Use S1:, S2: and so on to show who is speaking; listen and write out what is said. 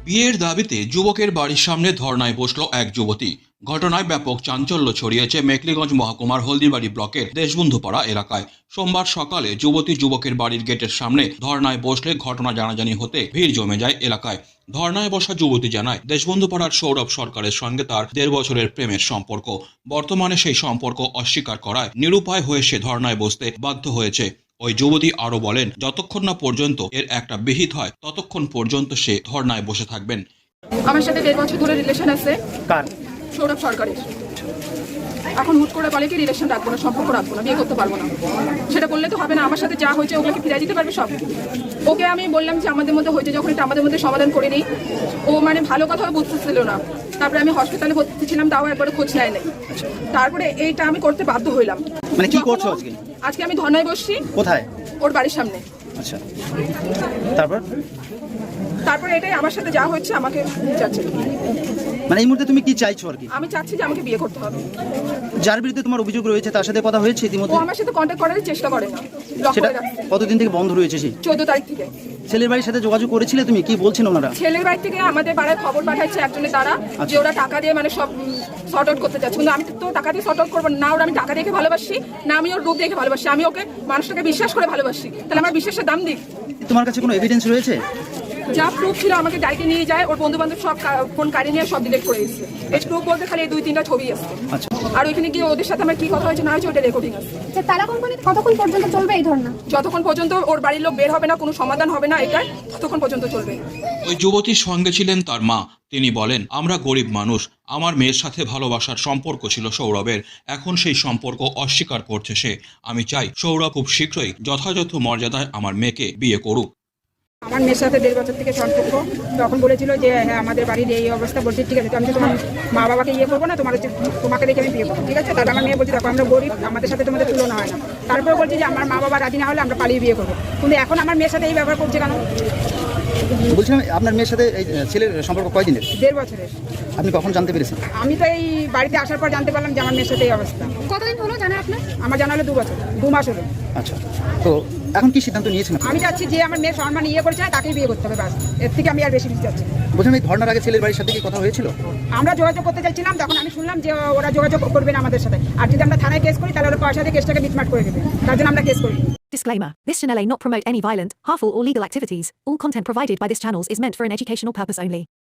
S1: বিয়ের দাবিতে যুবকের বাড়ির সামনে ধর্নায় বসল এক যুবতী। ঘটনায় ব্যাপক চাঞ্চল্য ছড়িয়েছে মেখলিগঞ্জ মহকুমার হলদিবাড়ি ব্লকের দেশবন্ধুপাড়া এলাকায়। সোমবার সকালে যুবতী যুবকের বাড়ির গেটের সামনে ধর্নায় বসলে ঘটনা জানাজানি হতে ভিড় জমে যায় এলাকায়। ধর্নায় বসা যুবতী জানায়, দেশবন্ধুপাড়ার সৌরভ সরকারের সঙ্গে তার 1.5 বছরের প্রেমের সম্পর্ক। বর্তমানে সেই সম্পর্ক অস্বীকার করায় নিরুপায় হয়ে সে ধর্নায় বসতে বাধ্য হয়েছে। ওই যুবতী আরো বলেন, যতক্ষণ না পর্যন্ত এর একটা বিহিত হয় ততক্ষণ পর্যন্ত সে ধর্নায় বসে থাকবেন।
S2: আমার সাথে 1.5 বছর ধরে রিলেশন আছে।
S3: কার?
S2: সৌরভ সরকারের। এখন হুট করে বলে কি রিলেশন রাখবো না, সম্পর্ক রাখবো না, বিয়ে করতে পারবো না। সেটা বললে তো হবে না। আমার সাথে যা হয়েছে ওগুলোকে ফিরিয়ে দিতে পারবে সব। ওকে আমি বললাম যে আমাদের মধ্যে হয়েছে যখন এটা আমাদের মধ্যে সমাধান করে নিই। ও মানে ভালো কথা বুঝতেছিল না। তারপরে আমি হসপিটালে ভর্তি ছিলাম, তাও একবার খোঁজ নেয় নাই। তারপরে এইটা আমি করতে বাধ্য হইলাম।
S3: মানে কি করছো আজকে?
S2: আজকে আমি ধর্নায় বসছি।
S3: কোথায়?
S2: ওর বাড়ির সামনে।
S3: আচ্ছা, তারপর
S2: এটাই আমার সাথে যা হচ্ছে আমাকে চাচ্ছে।
S3: মানে এই মুহূর্তে তুমি কি চাইছো আর কি?
S2: আমি চাচ্ছি যে আমাকে বিয়ে করতে হবে।
S3: যার বিরুদ্ধে তোমার অভিযোগ রয়েছে তার সাথে কথা হয়েছে
S2: ও
S3: ইতিমধ্যে?
S2: আমার সাথে কন্ট্যাক্ট করার চেষ্টা করে না। ব্লক
S3: সেটা
S2: করে রাখছে।
S3: কতদিন থেকে বন্ধ রয়েছে? সেই
S2: 14 তারিখ থেকে।
S3: ছেলের বাড়ির সাথে যোগাযোগ করেছিলে তুমি? কি বলছেন ওনারা?
S2: ছেলের বাড়ি থেকে আমাদের পাড়ায় খবর পাঠাচ্ছে একজনের দ্বারা যে ওরা টাকা দিয়ে মানে সব সর্ট আউট করতে চাচ্ছে। কিন্তু আমি তো টাকা দিয়ে সর্ট আউট করবো না। ওরা আমি টাকা দেখে ভালোবাসি না, আমি ওর রূপ দেখে ভালোবাসি। আমি ওকে মানুষটাকে বিশ্বাস করে ভালোবাসি। তাহলে আমার বিশ্বাসের দাম দিক।
S3: তোমার কাছে কোনো এভিডেন্স রয়েছে?
S2: যা প্রুফ ছিল আমাকে গাড়িতে নিয়ে যায়, ওর বন্ধু বান্ধব সব ফোন কাড়ি নিয়ে সব ডিলিট করে দিচ্ছে। এই প্রুফ বলতে খালি 2-3টা ছবি আছে।
S3: আচ্ছা,
S2: আর ওইখানে গিয়ে ওদের সাথে আমার কি কথা হয়েছে না হয়েছে ওটা রেকর্ডিং আছে।
S4: তারা কোম্পানিতে কতক্ষণ পর্যন্ত চলবে এই ধরনা?
S2: যতক্ষণ পর্যন্ত ওর বাড়ির লোক বের হবে না, কোনো সমাধান হবে না এটাই, ততক্ষণ পর্যন্ত চলবে।
S1: ওই যুবতীর সঙ্গে ছিলেন তার মা। তিনি বলেন, আমরা গরিব মানুষ, আমার মেয়ের সাথে ভালোবাসার সম্পর্ক ছিল সৌরভের। এখন সেই সম্পর্ক অস্বীকার করছে সে। আমি চাই সৌরভ খুব শীঘ্রই যথাযথ মর্যাদায় আমার মেয়েকে বিয়ে করুক।
S5: আমার মেয়ের সাথে 1.5 বছর থেকে সম্পর্ক। তখন বলেছিল যে হ্যাঁ আমাদের বাড়ির এই অবস্থা। বলছি ঠিক আছে, তো আমি তো তোমার মা বাবাকে ইয়ে করবো না, তোমাকে দেখে আমি বিয়ে করবো, ঠিক আছে? তারপর আমার মেয়ে বলছি দেখো আমরা গরিব, আমাদের সাথে তোমাদের তুলনা হয় না। তারপরে বলছি যে আমার মা বাবা রাজি না হলে আমরা পালিয়ে বিয়ে করবো। কিন্তু এখন আমার মেয়ের সাথে এই ব্যবহার করছে কেন?
S3: বলছিলাম আপনার মেয়ের সাথে এই ছেলের সম্পর্ক কয়দিনের?
S5: 1.5 বছরের।
S3: আপনি কখন জানতে পেরেছেন?
S5: আমি তো এই বাড়িতে আসার পর জানতে পারলাম যে আমার মেয়ের সাথে এই অবস্থা।
S4: কতদিন হলো জানা আপনার?
S5: আমার জানা হলো 2 বছর, 2 মাস হলো।
S3: আচ্ছা, তো এখন কি সিদ্ধান্ত নিয়েছেন?
S5: আমি চাচ্ছি যে আমার মেয়ের সম্মান ইয়ে করছে তাকেই বিয়ে করতে হবে, ব্যাস। এর থেকে আমি আর বেশি কিছু চাচ্ছি না।
S3: বলছিলাম এই ধর্নার আগে ছেলের বাড়ির সাথে কি কথা হয়েছিল?
S5: আমরা যোগাযোগ করতে চাইছিলাম, তখন আমি শুনলাম যে ওরা যোগাযোগ করবে না আমাদের সাথে। আর যদি আমরা থানায় কেস করি তাহলে ওরা পয়সা দিয়ে কেসটাকে মিটমাট করে দেবে। তার জন্য আমরা কেস করি।
S6: Disclaimer. This channel may not promote any violent, harmful or legal activities. All content provided by this channel is meant for an educational purpose only.